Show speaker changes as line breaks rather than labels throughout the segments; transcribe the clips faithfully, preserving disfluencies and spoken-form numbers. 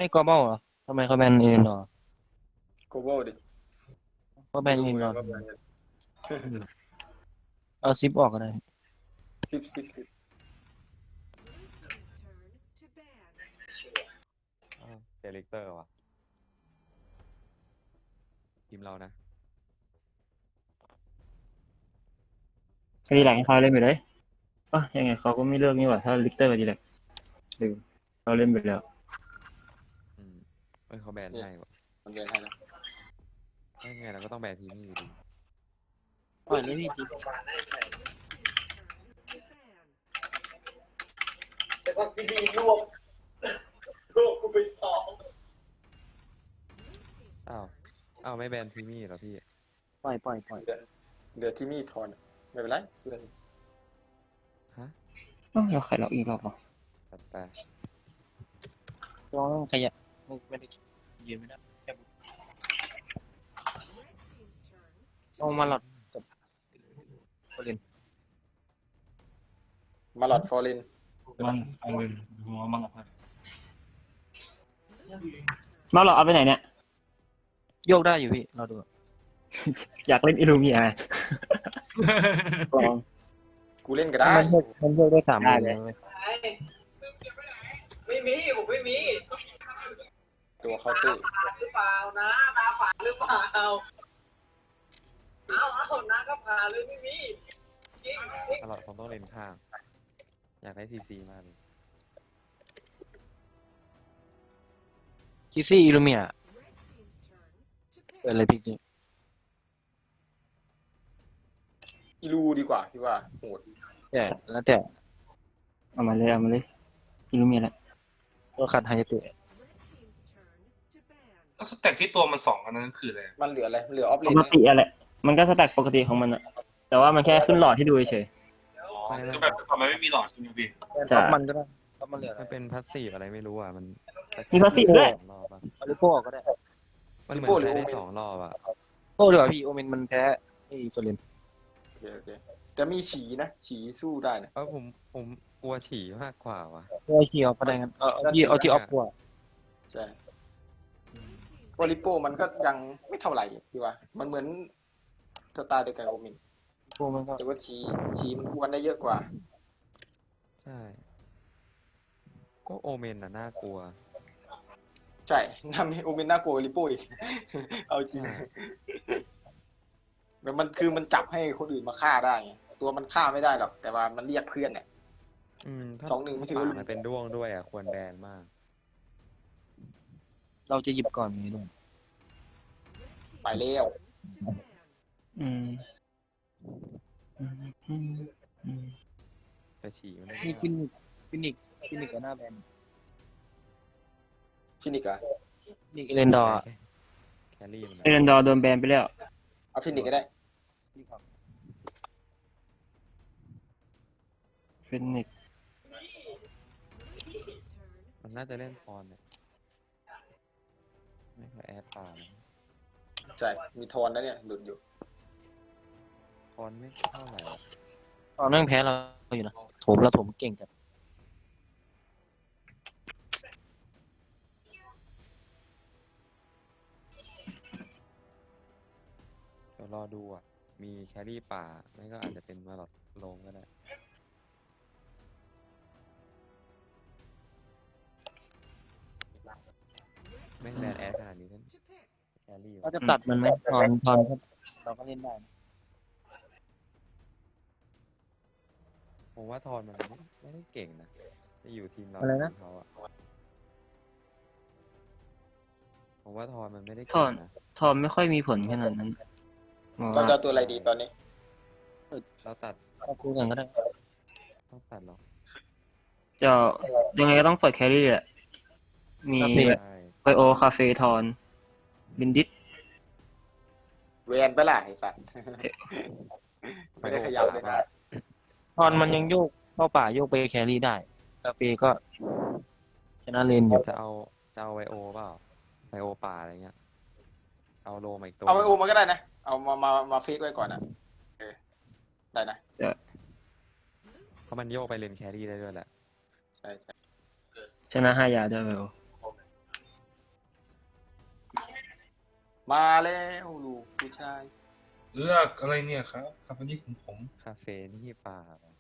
ไม่กอเบ้าเหรอทำไมเขาแบนเอ็นดอร์
โกโบดิ
เขาแบ
ไม่
นเอ็นดอร์
รู้เหมือนกันว่าแบนกัน
เอาซิปออกก็ได้
สิบสิบสิบ
อ้าวเดลิเตอร์ว่ะทีมเรานะ
ดีแลกให้เขาเล่นไปเลยเออยังไงเขาก็ไม่เลือกนี่หว่าถ้าลิกเตอร์กับดีแลกลืมเราเล่นไปแล้ว
อืมเอ้ยเขาแบนให้ว่ะ
มันแบนให้นะ
ถ้าไงเราก็ต้องแบนทีมนี้อยู่ดี
ปล่อยเลยพี่จิ๊บ
แต่ว่าพี่ดีรวมรวมกูไปสอง
อ้าวอ้าวไม่แบนทีมนี้เหรอพี่
ปล่อยปล่อยปล่อย
เดี๋ยวที่มีทอนไม่เป็นไรสู้ได้
ฮะ
เอ้าเราใครเราอีกรอบเหรอ
จัดไป
ลองขยับไม่ไม่ได้ยืนไม่ได้แค่ลองมาหลอดกับโอลิน
มาหลอดฟอร์เรน
มันเอาเงินหัวมังอ่ะมาเราเอาไปไหนเนี่ย
โยกได้อยู่พี่เราดู
อยากเล่นอิลูเมียลอง
กูเล่นก็ได้
มันโยกมันโยกได้สาม
ได้
เล
เลย
ย
ไม่มีผมไม่มี
ตัวเคาน์เตอร์
หรือเปล่านะตาฝาดหรือเปล่าเอาเอาน้าก็ผ่าเลยไม่มีจริงจริง
ตลอดผมต้องเล่นข้าง อยากได้ซีซีมากเลย
คิซี่อิลูเมียเปิดอะไรพี่นี่
อีลูดีกว่าพี่ว่าโหด
แต่แล้วแต่
เอามาเลยเอามาเลยอิลูเมียแหละ
ตัวขัดไฮเตะ
แล้วสแต็กที่ตัวมันสองอันนั้นคืออะไร
มันเหลืออะไรเหลือออฟเล
ป
น
กติอะไรมันก็สแต็กปกติของมันอะแต่ว่ามันแค่ขึ้นหลอดให้ดูเฉย
อ๋อคือแบบทำไมไม่มีหลอดใช่ไหมพี่
แต่ท็อปมันก็ได้ท็อปมันเหลืออะไร
มันเป็นพาสซีฟอะไรไม่รู้อ่ะมัน
มีพาสซีฟด้วย
สองรอบอะ
เอาลิโก้ออกก็ได้
มันเหมือนใช้ได้สองรอบอ่ะ
โก้ดีกว่าพี่โอเมนมันแพ้ไอ้โซลิน
โอเคโอเคแต่มีฉีนะฉีสู้ได้นะ
เออผมผมกลัวฉี่มากกว่าว่ะ
ตัวไอเชียก็ได้กันเอาเอาที่เอาที่ออฟกว่า
ใช่ฟอริโปมันก็ยังไม่เท่าไหร่พี่ว่ามันเหมือนสไตล์เดียวกันกับโอมิน
พวกมันก็
แต่ว่าฉีฉีมันกวนได้เยอะกว่า
ใช่พวกโอเมนน่ะน่ากลัว
ใช่น่าโอมินน่ากลัวกว่าริโป้อีก เอาจริง
ใช่
แบบมันคือมันจับให้คนอื่นมาฆ่าได้ไงตัวมันฆ่าไม่ได้หรอก แต่ว่ามันเรียกเพื่อนเนี่ย
อืมถ้า
สองหนึ่งไม่ถือว่า
ป่ามันเป็นด้วงด้วยอ่ะควรแบนมาก
เราจะหยิบก่อนนี้ด้วย
ไปเร็ว
ๆอืมอืมอืมอืม
แต่ฉี่มันไม่
นี่
ได้
ฟินิกฟินิกฟินิกกับหน้าแบน
ฟินิกอะ
ฟินิกเอเลนดอร์
แครี่มัน
เอเรนดอร์โดนแบนไปแล้ว
เอาฟินิกก็ได้
ฟินิกซ์
มันน่าจะเล่นพรเนี่ยไม่ค่อยแอดป่านะ
ใช่มีทอนนะเนี่ยหลุดอยู่
พรไม่เท่าไหร่หรอก
ตอนนั่งแพ้เราอยู่นะโถมเราโถมเก่งจัด
เดี๋ยวรอดูอ่ะ มีแครี่ป่า ไม่ก็อาจจะเป็นมาหลอดลงก็ได้ ไม่แบนแอดขนาดนี้นั่นแครี่
เรา
วะ
จะตัดมันไหมทอนทอนก็เราก็เล่นได้นะ
ผมว่าทอนมันไม่ไม่ได้เก่งนะจะอยู่ทีมเราทีมเขาอ่ะผมว่าทอนมันไม่ได้
ท
เก่
อง น
นะ
ทอมไม่ค่อยมีผลขนาดนั้นมอง
ตอน
ว่า
จะเอาตัวอะไรดีตอนนี้
เราตัด
เราคุยกันก็ได้
ต้องตัดหรอก
จะยังไงก็ต้องเปิดแครี่แหละมี
คาเฟ่
ใช่
ไบโอคาเฟ่ทอนบินดิส
เวนไปล่ะไอ้สัตว์ ไม่ได้ขยับเลยนะ
ทอนมันยังโยกเข้าป่าโยกไปแครี่ได้กาเฟ่ก็ชนะเลนอยู่
จะเอาจะเอาไวโอเปล่าไวโอป่าอะไรเงี้ย เอาโลมาอีกตัว
เอาไอโอมาก็ได้นะ เอามามามาฟิกไว้ก่อนนะเออได้นะ
เพราะมันโยกไปเลนแครี่ได้ด้วยแหละ
ใช่ใช่
ชนะห้ายาด้วยไบโอ
มาแล้วลูกผู้ชาย
เลือกอะไรเนี่ยครับคำนี้ของผม
คาเฟ่นี่ป่า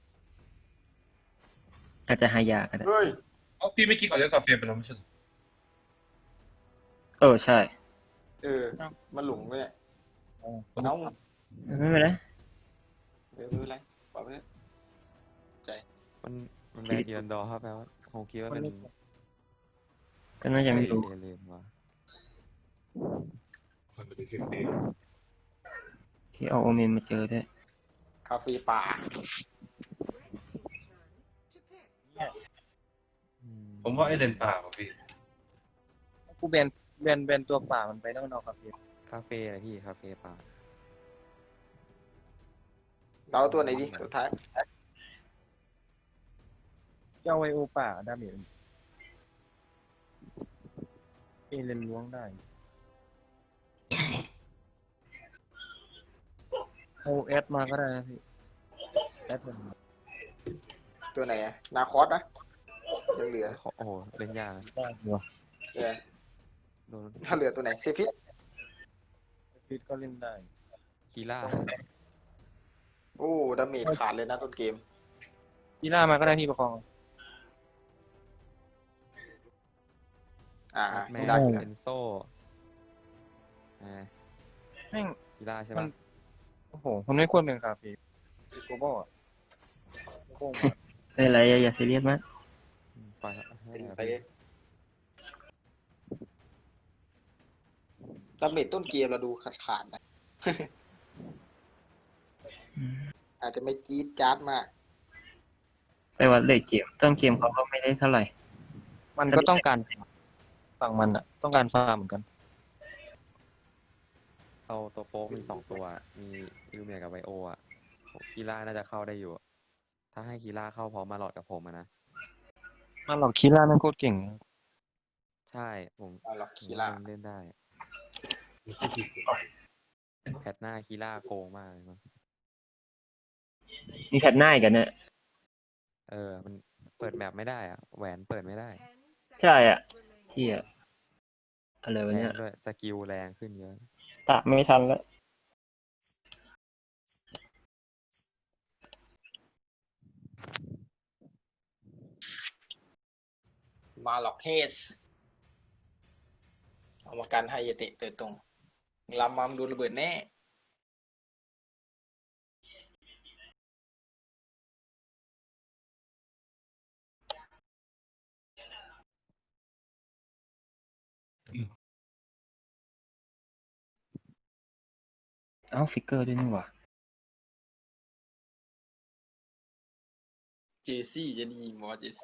อาจจะหายากก็ได้
เฮ้ย
เอ๋อพี่ไม่กินก่อนเลือกกาแฟไปแล้วไม่ใช่เหรอ
เออใช่
เออมันหลงเลยอะ
อ๋อ
เอ้า
ไม่เป็นไร
เออไม่เป็นไรปล่อยไปเลยใจ
มันมันแบนอีรันดอร์ครับแปลว่าคงคิดว่าเป็น
ก็น่าจะไม่รู้
เอเลนวะ
มันเป็นสิบปี
ที่เอาโอเมนมาเจอด้วย
คาเฟ่ป่า
อืม
ผมว่าไอเลนป่าว่ะพี่
กูแบนแบนแบนตัวป่ามันไปนอกนอกครับพี่
คาเฟ่อะไรพี่คาเฟ่ป่า
เราเอาตัวไหนดีตัวท้าย
เจ้าไวโอป่าดาเมจเอเลนล้วงได้เอาแอดมาก็ได้นะพี่แอดมัน
ตัวไหนอะนาคอสนะยังเหลือ
โอ้โหเล่นยากนะ
ได้เหรอ
เออ
โดน
ถ้าเหลือตัวไหนเซฟิต
ฟิตก็เล่นได้
คีล่า
โอ้ดาเมจขาดเลยนะต้นเกม
กีฬามาก็ได้พี่ประคอง
อ่า
แม
ไม่
น
ได้อยู่
เอนโซ่อ่า
แม่ง
คีล่าใช่
มั
ปะ
น โอ้โหมันไม่ควรเป็นคาเฟ่โกบอลโกงอะ
ไม่เป็นไรอย่าอย่าซีเรียสมาก
อืมปล่อยให้
เป็น
เอา
ไป
พี่
ดาเมจต้นเกมเราดูขาดขาดๆนะ อาจจะไม่จี๊ดจ๊าดมาก
แต่ว่าเลทเกมต้นเกมเขาก็ไม่ได้เท่าไหร่
มันก็ต้องการฝั่งมันอะต้องการฟาร์มเหมือนกัน
เอาตัวโป๊กมีสองตัว มีอิลูเมียกับไวโออ่ะโหคีล่าน่าจะเข้าได้อยู่ ถ้าให้คีล่าเข้าพร้อมมาหลอดกับผมอะนะ
มาหลอกคีล่าแม่งโคตรเก่ง
ใช่ผม
เอาหรอก
ผม
คีล่า
ว่มันเล่นได้ แพทหน้าคีล่าโกงมากเลยมั้ง
มีแพทหน้าอีกันเนี่ย
เออ มันเปิดแมปไม่ได้อะแหวนเปิดไม่ได้
ใช่อ่ะที่อ่ะอะไรวะ
แร
เนี่
ง
ย
ด้วยสกิลแรงขึ้นเยอะ
ตะไม่ทันแล้ว
มาหลอกเฮสเอามากันให้เยเตะเตะตรงลำมัมโดนระเบิดแน่
เอ้าฟิกเกอร์ด้วยนี่หว่า
เจซี่จะดีหมอเจซี่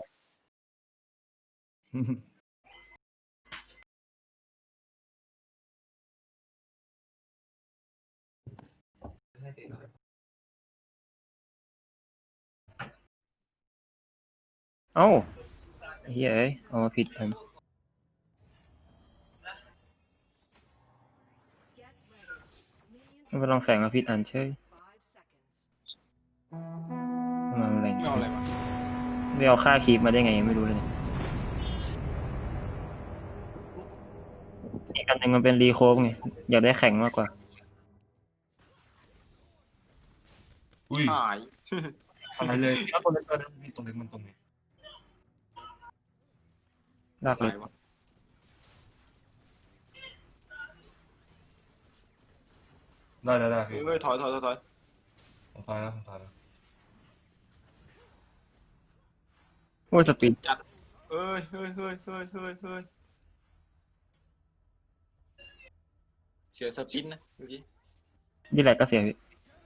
เอ้าเฮ้ยเอ้ยเอามาผิดอันมันไปลองแฝงมาผิดอันเฉยมาอะไร
ไม่เอาอะไรมา
ไม่เอาค่าคีบมาได้ไงไม่รู้เลยเนี่ยอีกอันหนึ่งมันเป็นรีโคฟไงอยากได้แข็งมากกว่า
อุ้ย
หาย
อะไรเลยแล้วตัวเล็กตัวนั้นมีตัวเล็กมันตรงนี้
ลากเล
หาย ยวะ
ได้ได้ได้พี่
เอ้ยถอยถอยถอยถอย
ผมตายแล้วผมตายแล้ว
โอ้ยสปีด
จัดเอ้ยเฮ้ยเฮ้ยเฮ้ยเฮ้ยเฮ้ยเสียสปินนะเมื่อกี้
นี่แหละก็เสียพี่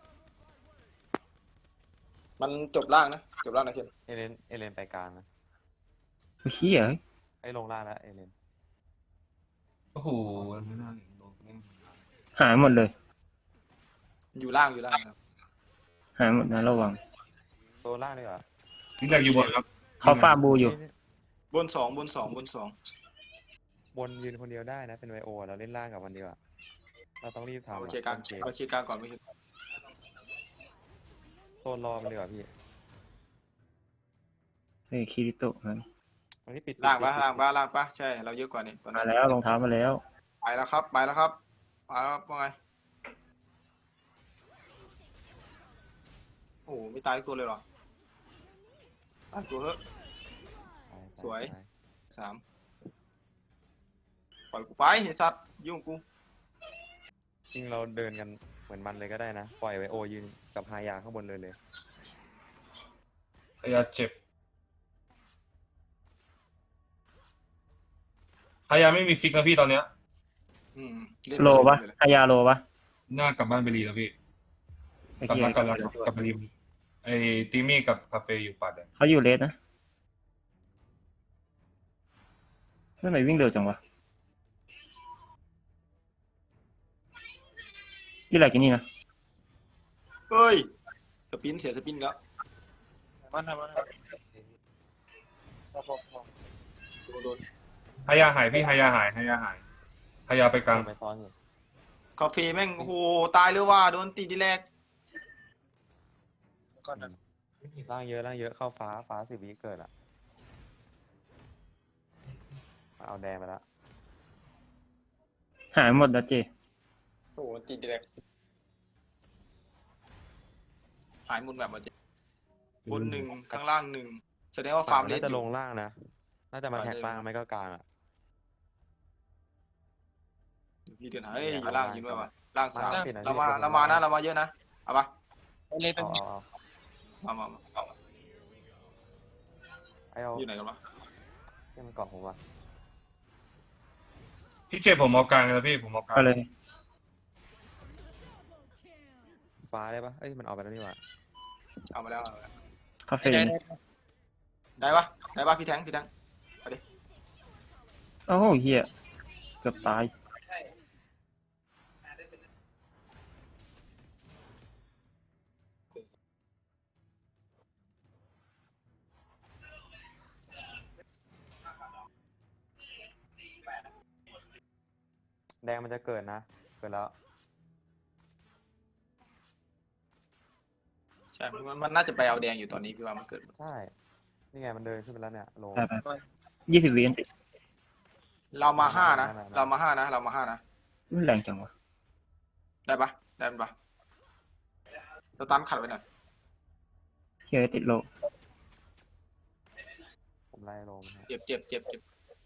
มันจบล่างนะจบล่างนะเคน
เอเลนเอเลนไปกลางนะ
โอ้ยเหี้ยเอ้ย
ไอ้ยลงล่างแล้วเอเลน
โอ้โหไม่น่าเห็นโดนเล่น
หายหมดเลย
อยู่ล่างอยู่ล่างครับ
หายหมดนะระวัง
ตัวล่างดีกว่า
นี่แหละอยู่บนครับ
เขาฟาร์มบูอยู่
เฮ้ย
บนสองบนสองบนสอง
บนยืนคนเดียวได้นะเป็นไวโอเราเล่นล่างกับมันดีกว่าเราต้องรีบทำ
เอา
อะ
เคลียร์กลาง
ต้นเกม
เอาเคลียร์กลางก่อนไม่ใช่
โซนรอมันดีกว่าพี่
เฮ้ยคิริโตะมัน
วันนี้ปิด
ล่างปะ
ปิด
ล่างปะล่างปะใช่เราเยอะกว่านี่ตอน
มา
นั้น
แล้วรองเท้ามาแล้ว
ไปแล้วครับไปแล้วครับมาแล้วว่าไงโอ้โหไม่ตายตัวเลยเหรอตายตัวเถอะ
ไปไป
สวย
ไป
สามปล่อยกูไปไอ้สัตว์ยุ่งกู
จริงเราเดินกันเหมือนมันเลยก็ได้นะ ปล่อยไวโอยืนกับฮายาข้างบนเลยเลย
พยาเจ็บพยาไม่มีฟิกนะพี่ตอนเนี้ย
อืมเล่น
โลปะ
เล่น
อายาโลปะ
หน้ากลับบ้านไปรีแล้วพี่
ไอ้
กลับ
เหี้ย
บ้านกลับแล้วกลับไปรีไอ้ติมี่กับคาเฟ่อยู่ปัดอ่ะ
เขาอยู่เลสนะทำไมวิ่งเร็วจังวะยี่ไรกันนี่นะ
เฮ้ยสปินเสียสปินแล้ว
มันทำมันทำพอพอพอ
โดนโดน
พยาหายพี่พยาหายพยาหายพยาไปกลาง
ไปซ้อนอยู่
คาเฟ่แม่งโอ้โหตายเลยว่าโดนตีทีแรก
แล้วก็นั่น
ล่างเยอะล่างเยอะเข้าฟ้าฟ้าสิบวิเกิดอ่ะเอาแดงไปแล้ว
หายหมดแล้วเจ
โอ้โหตีทีแรกหายหมดแบบว่าเจ๊บนหนึ่งข้างล่างหนึ่งแสดงว่าฟาร์มเล
น่า
ส
จะ
อ
ล
ยู่
งล่างนะ น่าจะมาแท็กล่างไม่ก็กลางอ่ะ
พี่เดินหาเฮ้ยอยู่ล่างยิงไว้ว่ะล่างสาม
ล่างติดนะ
เรามา
พี่
เรามานะเรามาเยอะนะเอาปะ
ไปเลยไป
เอา
เลย
เอาเอา
มามามาเอามา
ไอเอา
อยู่ไหนกันวะ
เชื่อมันเกาะผมว่ะ
พี่เจ็บผมเอากลางแล้วพี่ผมเอากลาง
ก็เลย
ฟ้าได้ปะเอ้ยมันออกไปแล้วนี่หว่า
เอามาแล้วเอามาแล้ว
คาเฟ่
ได้
เนี่ย
ได้ปะได้ปะพี่แทงพี่แทง
โอ้โหเฮียเกือบตาย
แดงมันจะเกิดนะ เกิดแล้ว
ใช่มันมันน่าจะไปเอาแดงอยู่ตอนนี้พี่ว่ามันเกิด
ใช่ นี่ไงมันเดินขึ้นไปแล้วเนี่ยลง
ไปไปยี่สิบวิอันติ
เรามาห้านะ
ได้ได้ได้
เรามาห้านะ เรามาห้านะ
มันแรงจังวะ
ได้ปะได้ปะสตันขัดไว้หน่อย
เฮียติดโล
ผมไล่ลงฮะ
เจ็บเจ็บเจ็บเจ็บ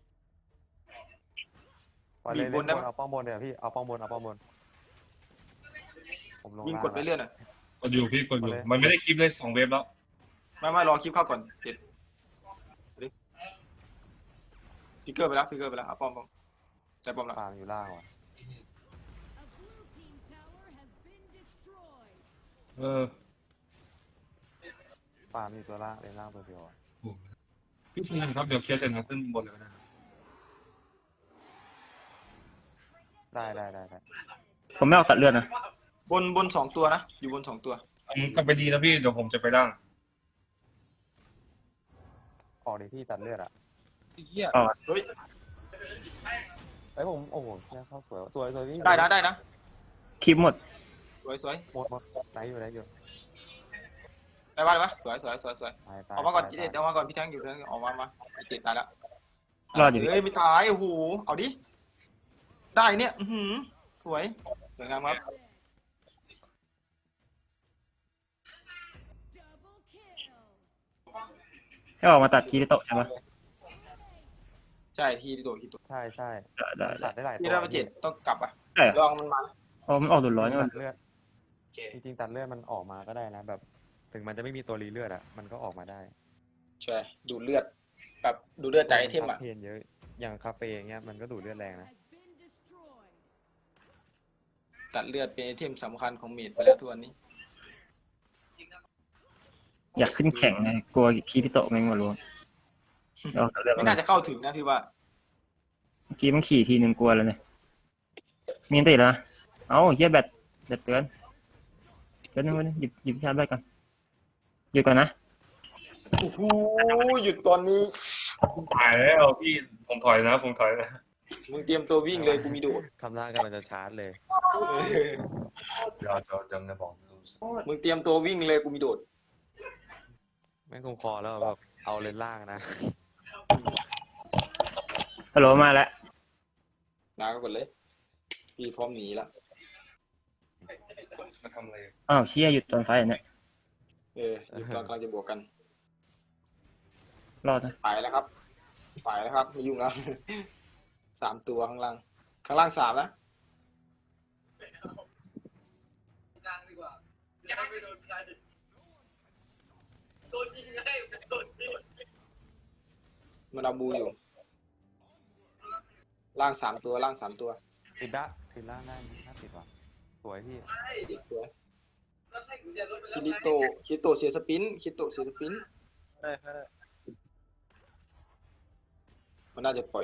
ปล่อยเลย
บีบบ น
น
ได้
บ
ปะ
นเอาป้อมบนเดี๋ยวพี่เอาป้อมบนเอาป้อมบนผมลง
ยิง
ล่าง
กดไปเรื่อยหน่อย
กดอยู่พี่กดอยู่มันไม่ได้คลิปเลยสองเวฟแล้ว
ไม่ไม่รอคลิปเข้าก่อนเจ็ดฟิกเกอร์ไปแล้วฟิกเกอร์ไปแล้วเอาป้อมป้อมใจป้อมแล้ว
ฟาร์มอยู่ล่างว่ะ
เออ
ฟาร์มอยู่ตัวล่างเลนล่างตัวเดียวอะ
โอ้โหพี่เพื่อนครับเดี๋ยวเคลียร์เสร็จนะขึ้นบนเลยก็ได้
ได้ได้ได้ได้
ผมไม่เอาตัดเลือดนะ
บนบนสองตัวนะอยู่บนสองตัว
อืมก็ไปดีนะพี่เดี๋ยวผมจะไปล่าง
ออกดิพี่ตัดเลือดอ่ะ
ไอ้เหี้ย
เฮ้ย
เอ้ยผมโอ้โหแค่เข้าสวยสวยสวยพี่
ได้นะได้นะ
คลิปหมด
สวยสวย
หมดหมดไหนอยู่ไหนอยู่
ได้ปะได้ปะสวยสวยสวยสวย
ไปไป
ออกมาก่อน
ไป
เจ็ดออกมาก่อนพี่แทงอยู่แทงออกมามาไอ้เจ็ดตายแล้ว
รอดอยู่
เฮ้ยไม่ตายโอ้โหเอาดิได้เนี่ยอือหือสวยสวยงามครับ
ให้ออกมาตัดคีริโตะใช่ปะ
ใช่ที่โดดที่โดด
ใช่ใช่
ได้ได้
ตัดได้หลายตัว
ที่ได้มาเจ็ดต้องกลับอ่ะ
ได้เหร
ล
อ
องมันมา
อ๋อมันออกดุดร้อนนี่
ตั
มัน
ดเลือด
โอเค
จริงๆตัดเลือดมันออกมาก็ได้นะแบบ ถึงมันจะไม่มีตัวรีเลือดอ่ะมันก็ออกมาได้
ใช่ดูดเลือดแบบดูดเลือดจากไอเทมอ่ะ
เพนเยอะอย่างคาเฟ่อย่างเงี้ยมันก็ดูดเลือดแรงนะ
ตัดเลือดเป็นไอเทมสำคัญของเมดไปแล้วทุกวันนี้
อยากขึ้นแข่งไงกลัวคีริโตะแม่งมาล้วงเอาตัดเลือด
ไม่
มา
น่าจะเข้าถึงนะพี่ว่า
เมื่อกี้มันขี่ทีหนึ่งกลัวแล้วเนี่ยมีอันติแล้วนะเอ้าเฮียแบตแบตเตือนเดี๋ยวนึงวันนึงหยิบหยิบชาร์จแบตก่อนหยุดก่อนนะ
โอ้โหหยุดตอนนี้
ถอยแล้วพี่ผมถอยนะผมถอยนะ
มึงเตรียมตัววิ่งเลยกูมีโดด
คำหน้ากำลังจะชาร์จเลย
เดี๋ยวจะจำนะบอก
มึงเตรียมตัววิ่งเลยกูมีโดด
แม่งคงคอแล้วแบบเอาเลนล่างนะ
ฮัลโหลมาแล้ว
ลาก็กดเลยพี่พร้อมหนีแล้ว
มาทำอะไร
อ้าวเชี่ยหยุดตอนไฟอันเนี่ย
เออหยุดก่อนกำลังจะบวกกัน
รอดนะ
ไปแล้วครับ ไปแล้วครับไม่ยุ่งแล้ว สามตัวข้างล่าง ข้างล่างสามนะ
กลางดีกว่าแล้วไม่โดนใครโดนยิงให้โดนยิง
มันเอาบูอยู่ ล่างสามตัวล่างสามตัว
ติดละติดละได้ถ้าติดว่ะสวยพี่
ใช่
สวย
แล้วให้กุญแจรถไปแล้
คิ
ว
ริ
ไง
โตะคิริโตะเสียสปินคิริโตะเสียสปิน
ได้ได้
มันน่าจะปล่อย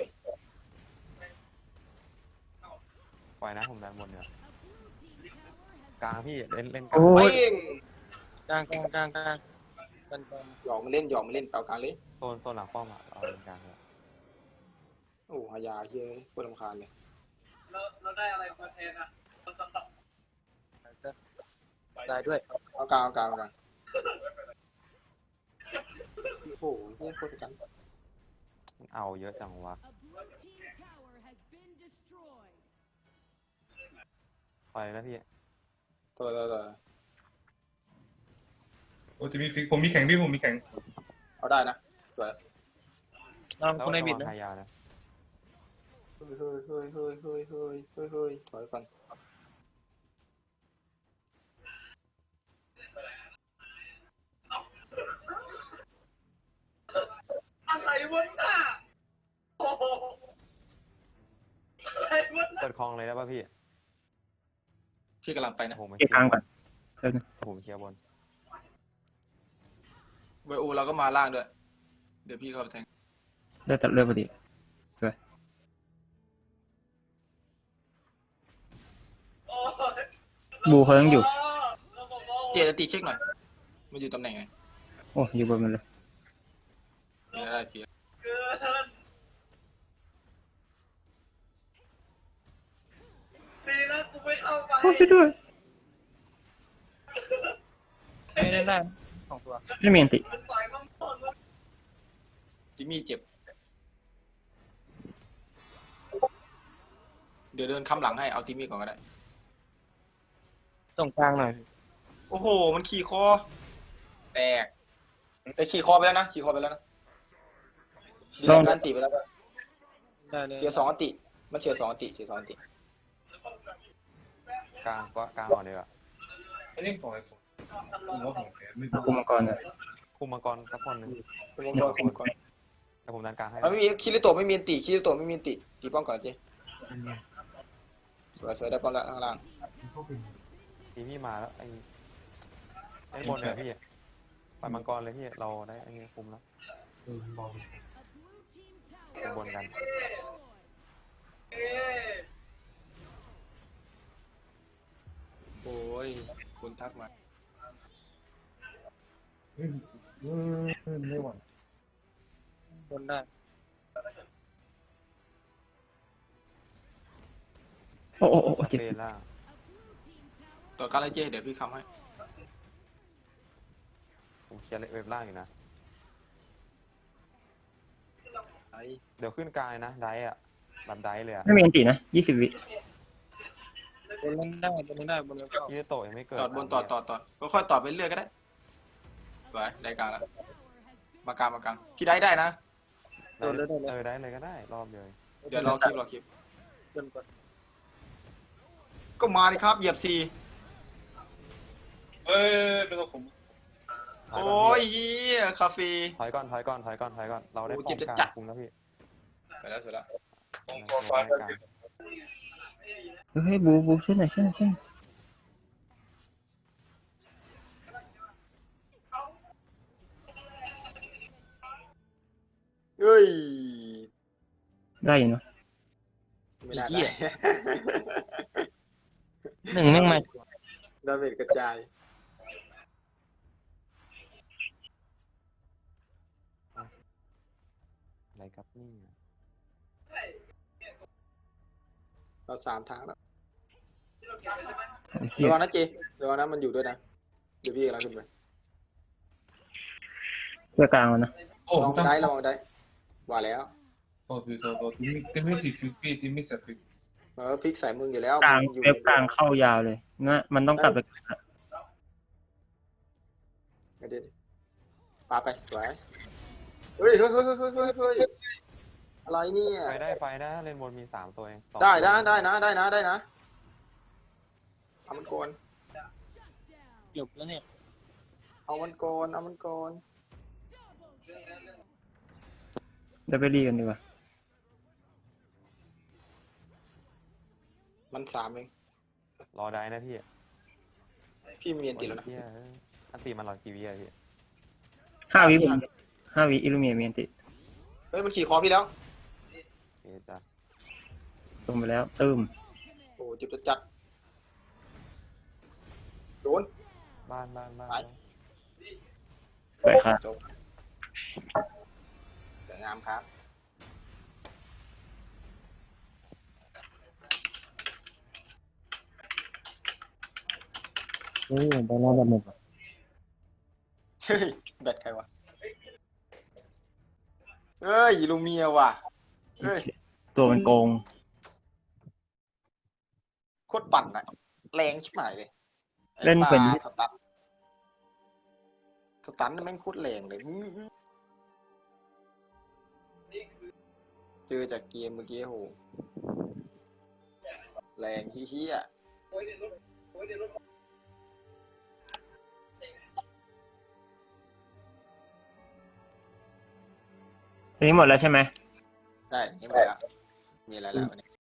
ปล่อยนะผมดันบนเนี่ยกลางพี่เล่นเล่นกลาง
โอ้
ไป
ย
เอง
กลางกลางกลางกลางกลางกลาง
หยอกมันเล่นหยอกมันเล่นเปล่ากลางเลย
โซนโซนหลังป้อมอ่ะเราเล่นกลางเลย
โอ้หายาเฮ้ยปวดรำคาญเลย
แล้วเราได้อะไรมาแทนอ่ะเราสลับ
ได้ด้วย
เอากลางเอากลางเอากลางโอ้โหเฮ้ยโคตรกัน
มันเอาเยอะจังวะ
A blue team tower has been destroyed.
ปล่อยเลยนะพี่
ตัวตัวตัว
โอ้จะมีฟิกผมมีแข่งพี่ผมมีแข่ง
เอาได้นะสวย
น้อง
แล้ว
คุณไอ
ระ
บิ
วั
ด
ง
นะ
หายานะ
เฮ้ยเฮ้ยเฮ้ยเฮ้ยเฮ้ยเฮ้ยเฮ้ยเฮ้ยถอยก่อน
อะไรวะน่ะโอ้โหอะไรวะน่ะ
เปิดคลองเลยได้ป่ะพี่
พี่กำลังไปนะ
ผมไม่
เกียร์กลางก่อนเดี๋ยวนะ
ผมเคลียร์บน
ไวโอเราก็มาล่างด้วย เดี๋ยวพี่เข้าไปแทง
เลือดตัดเลือดพอดีสวย
โอ้ย
บูเขายังอยู่
เราบอกว่า
เจตติเช็คหน่อย มันอยู่ตำแหน่งไง
โอ้อยู่บนมันเลย
ไม่ได้เพีย
เกินดีนะกูไม่เข้าไป
โอ้ช่วยด้วย
ไม่ได้ได้สองตัว
ไม่มีอันติ
มันสายมั่งม่อน
จิมมี่เจ็บ เดี๋ยวเดินค้ำหลังให้ เอาจิมมี่ก่อนก็ได้
ส่งกลางหน่อย
โอ้โห มันขี่คอ แตก แต่ขี่คอไปแล้วนะ ขี่คอไปแล้วนะดีแล้วการติไปแล้วด้วย
ได้เลย
เสียสองอันติ มันเสียสองอันติ เสียสองอันติ
กลางก็กลางก่อนเลยอ่ะ
อันนี้ปล่อยผมผมว่าผมแพ้ไม่
คุมมังกรเลย
คุมมังกรสักคนหนึง
คุณมังกรคุณมังกร
แต่ผมดันกลางให้
มันไม่มีคิริโตะไม่มีอันติ คิริโตะไม่มีอันติ ตีป้อมก่อนเจ๊สวยสวยได้ป้อมแล้วข้างล่าง
ทีพี่มาแล้วไอ้ไอ้บนเลยพี่ปล่อยมังกรเลยพี่เราได้ไอ้นี่คุมแล้ว
เออมอง
A blue team
คุมบน
tower
กัน
เอ๊ะ
โอ้ย คุณทักมา
เฮ้ยเฮ้ยไม่ไหว
บนได้
โอ้โอ้โอ้เจ็บ
เฟรล่าง
ต่อการไล่เจ๊เดี๋ยวพี่คำให้
ผมเคลียร์เว็บล่างอยู่นะ
ไอ้
เดี๋ยวขึ้นกลางเลยนะได้อะแบบได้เลยอะ
ไม่มีอันตินะยี่สิบวิ
บนเล่นได้บนเล่นได้บนเล่นเข้า
ที่โตะยังไม่เกิด
ตอดบนต่อต่อต่อก็ค่อยต่อไปเรื่อยก็ได้ สวย ได้กลางแล้ว มากลางมากลางพี่ได้ได้นะ
ได้เออได้เลยก็ได้รอบเดียว
เดี๋ยวรอคลิปรอคลิป
บนก่อน
ก็มาดิครับ เหยียบซี
เอ้ยเป็นตัวผม
ถอย
โอ้
ก่อน
ยเฮียคาเฟ่
ถอยก่อนถอยก่อนถอยก่อนถอยก่อนเราได้
โอ้
ป้
เจ็
อบ ม
จะ
กลาง
จัด
คุมแล้วพี่
ไปแล้วเสร็จแล้ว
ผมขอฟ้า
ได้
กัน
กลาง
เฮ้ยบูบูช่วยหน่อยช่วยหน่อยช่วยหน่อย
เฮ้ย
ได้อยู่เนอะ
ไม่ได้
เหี้ย
ได้
หนึ่งแม่งมา
ดาเมจกระจาย
อะไรครับนี่
เราสามทางแล้ว
ไอ้เหี้ย
ระวังนะเจระวังนะมันอยู่ด้วยนะ เดี๋ยวพี่กำลังขึ้นไป
เพื่อกลางแล้วนะ
โอ้
ลอง
ตั้ง
ได้ลองได้ว่าแล้ว
โอ้คือตัวตัวที่ไม่ที่ไม่สิฟิกพี่ที่ไม่สิฟิก
เออฟิกใส่มึงอยู่แล้ว
กลาง
มึงอยู่
เว็บกลางเข้ายาวเลยนะมันต้องกลับไป
ไม่ได้ปาไปสวยเฮ้ยเฮ้ยเฮ้ยเฮ้ยเฮ้ยเฮ้ยอะไรเนี่ย
ไฟได้ไฟนะเลนบนมีสามตัวเองสอง
ได้
ตัว
นะได้นะได้นะได้นะเอามันโกน
จบแล้วเนี่ย
เอามันโกนเอามันโกน
เดี๋ยวไปรีกันดีกว่า
มันสามเอง
รอได้นะพี่
พี่มีอันติดแล้วนะ
เหี้ยอันตีมันรอกี่วิอะพี่
ห้าวิผมห้าวิอิลูเมียมีอันติ
เฮ้ยมันขี่คอพี่แล้ว
เอ๊ะจ้ะ
ลงไปแล้วตึม
โอ้จิบจะจัดโดน
บ้านบ้านบ้าน
ไป
สวยครับ
จบสวยงามครับ
โอ้ยไปรอบแบบหนึ่ง
เฮ้ยแบตใครวะเฮ้ยลูเมียว่ะเฮ้ย
ตัวมันโกง
โคตรปั่นอะแรงชิบหายเลยไอ้
เล่นเป็น
ปลาสตันสตันแม่งโคตรแรงเลยอื้อหือเจอจากเกมเมื่อกี้โหแรงเฮี้ย
ทีนี้หมดแล้วใช่ไหม
ๆได้นี่หมดแล้วมีอะไรแล้ววันนี้